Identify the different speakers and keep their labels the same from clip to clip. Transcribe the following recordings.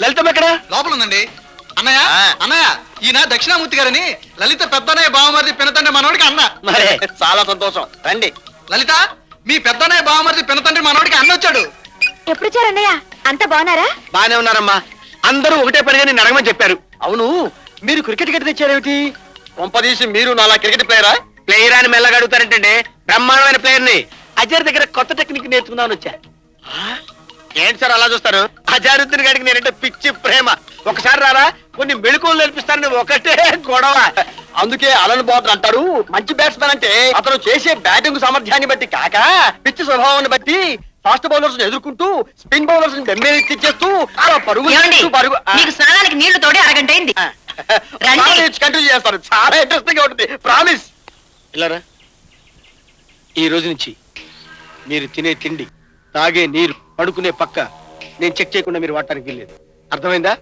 Speaker 1: లలితమ్మ ఎక్కడ?
Speaker 2: లోపల ఉందండి. అన్నయ్య అన్నయ్య, ఈయన దక్షిణామూర్తి గారని లలిత పెద్దన్నయ్య బావమరిది పినతండ్రి మనోడికి అన్న.
Speaker 1: మరే చాలా సంతోషం, రండి.
Speaker 2: లలిత, మీ పెద్దన్నయ్య బావమరిది పినతండ్రి మనోడికి అన్న వచ్చాడు.
Speaker 3: ఎప్పుడు వచ్చారన్నయ్య? అంత బాగున్నారా?
Speaker 1: బానే ఉన్నారమ్మా. అందరూ ఒకటే పనిగా నేను అడగమని చెప్పారు. అవును, మీరు క్రికెట్ గట్టి తెచ్చారేమిటి? కొంపదీసి మీరు నాలా క్రికెట్ ప్లేయరా? ప్లేయర్ అని మెల్లగా అడుగుతారంటే బ్రహ్మాండమైన ప్లేయర్ ని అజర్ దగ్గర కొత్త టెక్నిక్ నేర్చుకుందామని వచ్చా. ఏంటి సార్ అలా చూస్తారు? అజారుద్దీన్ గారికి నేనంటే పిచ్చి ప్రేమ. ఒకసారి రారా, కొన్ని మెళుకువలు నేర్పిస్తానని ఒకటే గొడవ. అందుకే అలన్ బాబు అంటారు, మంచి బ్యాట్స్మెన్ అంటే అతను చేసే బ్యాటింగ్ సామర్థ్యాన్ని బట్టి కాక పిచ్చి స్వభావాన్ని బట్టి ఫాస్ట్ బౌలర్స్ ఎదుర్కొంటూ స్పిన్ బౌలర్స్ తెచ్చేస్తూ పరుగు
Speaker 3: స్నానానికి నీళ్లు తోడి అరగంట అయింది.
Speaker 1: కంటిన్యూ చేస్తారు, చాలా ఇంట్రెస్టింగ్ గా ఉంటుంది. ప్రామిస్. ఇలారా, ఈ రోజు నుంచి మీరు తినే తిండి, తాగే నీరు, పడుకునే పక్క నేను చెక్ చేయకుండా మీరు వాడటానికి వెళ్ళలేదు. అర్థమైందా?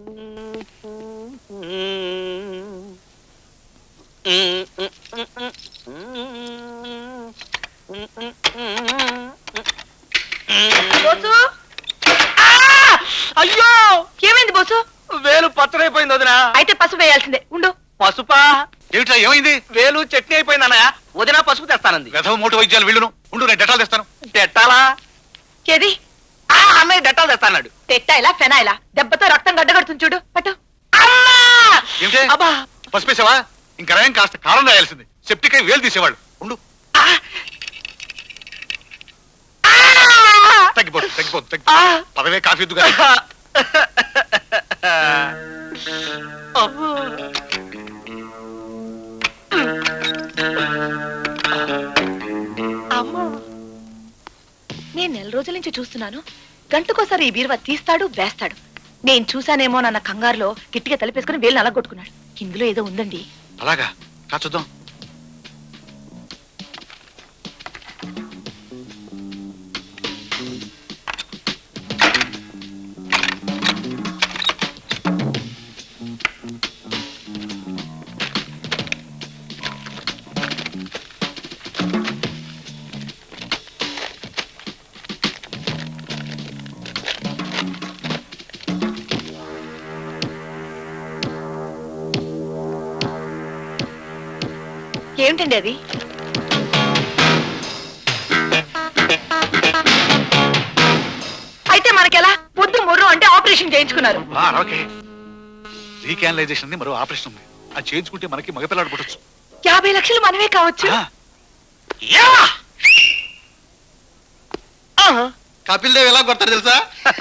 Speaker 1: అయ్యో,
Speaker 3: ఏమైంది బోసు?
Speaker 1: వేలు పచ్చడైపోయింది వదినా.
Speaker 3: అయితే పసుపు వేయాల్సిందే. ఉండు.
Speaker 1: పసుపా?
Speaker 2: ఏమిట్రా, ఏమైంది?
Speaker 1: వేలు చట్నీ అయిపోయింది అన్నయ్య. వదినా పసుపు తెస్తానంది.
Speaker 2: వెధవ మోటు వైద్యాలు వీళ్ళును. ఉండు, నేను డెటాల్ తెస్తాను.
Speaker 1: డెట్టాలా?
Speaker 3: ఏది?
Speaker 1: అన్నయ్య డెట్టాలు తెస్తాడు.
Speaker 3: తెట్టాయిలా ఫెనాయిలా? దెబ్బతో రక్తం గడ్డగడుతుంది చూడు. పట్టు.
Speaker 2: ఏమిటే పసిపేసావా? ఇంకా రాయం కాస్త కారం రాయాల్సింది. సెప్టిక్ అయి వేలు తీసేవాళ్ళు. ఉండు, తగ్గిపోతుంది. పదవే కాఫీ ఎద్దుగా.
Speaker 3: నేను నెల రోజుల నుంచి చూస్తున్నాను. గంటకోసారి ఈ బీరువా తీస్తాడు, వేస్తాడు. నేను చూసానేమో నన్న కంగారులో గట్టిగా తలిపేసుకుని వేలు నలగొట్టుకున్నాడు. ఇందులో ఏదో ఉందండి.
Speaker 2: అలాగా? చూద్దాం.
Speaker 3: ఏమిటండి అది? అయితే మనకెలా? పొద్దు ముర్రు అంటే ఆపరేషన్ చేయించుకున్నారు.
Speaker 2: రీకానలైజేషన్ మరో ఆపరేషన్ ఉంది. అది చేయించుకుంటే మనకి మగపిల్లాడు పుట్టచ్చు.
Speaker 3: 50 లక్షలు మనమే కావచ్చు.
Speaker 2: కపిల్ దేవ్ ఎలా కొడతారు తెలుసా?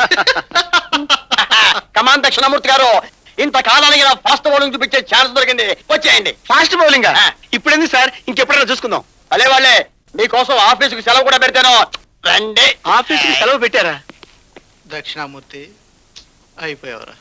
Speaker 1: కమాన్ దక్షిణామూర్తి గారు, ఇంతకాలానికి ఫాస్ట్ బౌలింగ్ చూపించే ఛాన్స్ దొరికింది. వచ్చేయండి. ఫాస్ట్ బౌలింగ్ ఇప్పుడేంది సార్? ఇంకెప్పుడైనా చూసుకుందాం. అలే వాళ్ళే, మీకోసం ఆఫీసుకి సెలవు కూడా పెడతాను. రండి. ఆఫీసుకి సెలవు పెట్టారా?
Speaker 2: దక్షిణామూర్తి అయిపోయావరా?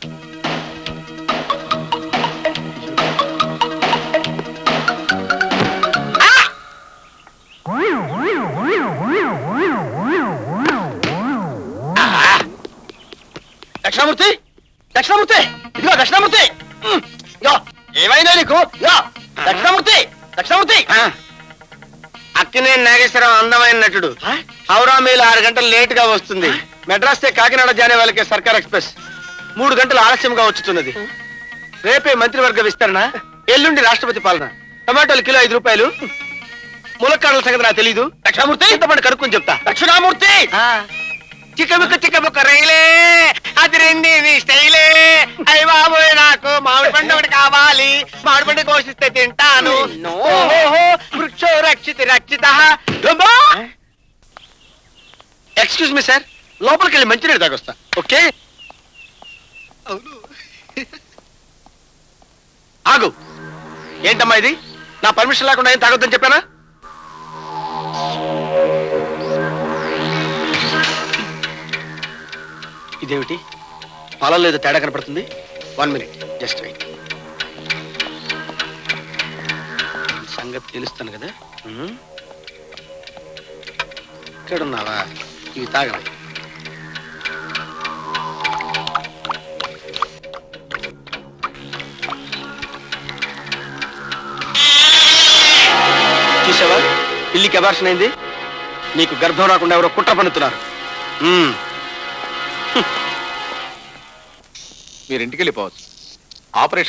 Speaker 1: దక్షిణామూర్తి, దక్షిణామూర్తి, ఇదిగో దక్షిణామూర్తి. ఏమైనా నీకు? దక్షిణామూర్తి, దక్షిణామూర్తి. అక్కినేని నాగేశ్వరరావు అందమైన నటుడు. హౌరా మేలు 6 గంటలు లేట్ గా వస్తుంది. మెడ్రాస్ కాకినాడ జానే వాళ్ళకి సర్కార్ ఎక్స్ప్రెస్ 3 గంటలు ఆలస్యంగా వచ్చుతున్నది. రేపే మంత్రివర్గ విస్తరణ, ఎల్లుండి రాష్ట్రపతి పాలన. టమాటోలు కిలో 5 రూపాయలు. ములక్కాడల సంగతి నాకు తెలీదు. దక్షిణామూర్తి, ఇంతమంది కనుక్కొని చెప్తా. దక్షిణామూర్తి, చిక్కముక్క రైలే, అది రెండి నీ స్టైలే. అయ్య బాబోయ్, నాకు మామిడి పండు ఒకటి కావాలి. మామిడి పండు కోసిస్తే తింటాను. వృక్షో రక్షిత రక్షిత. ఎక్స్క్యూజ్ మీ సార్, లోపలికి వెళ్ళి మంచినీళ్ళు తాగొస్తా. ఓకే? ఆగు. ఏంటమ్మా ఇది? నా పర్మిషన్ లేకుండా ఏం తాగొద్దని చెప్పానా? ఇదేమిటి? పాలలో ఏదో తేడా కనపడుతుంది. 1 minute, జస్ట్ వెయిట్. సంగతి తెలుస్తాను కదా. ఇక్కడున్నావా? ఇవి తాగవా? చూసావా, పిల్లికి అబార్షన్ అయింది. నీకు గర్భం రాకుండా ఎవరో కుట్ర పన్నుతున్నారు.
Speaker 2: మీరు ఇంటికి వెళ్ళిపోవచ్చు. ఆపరేషన్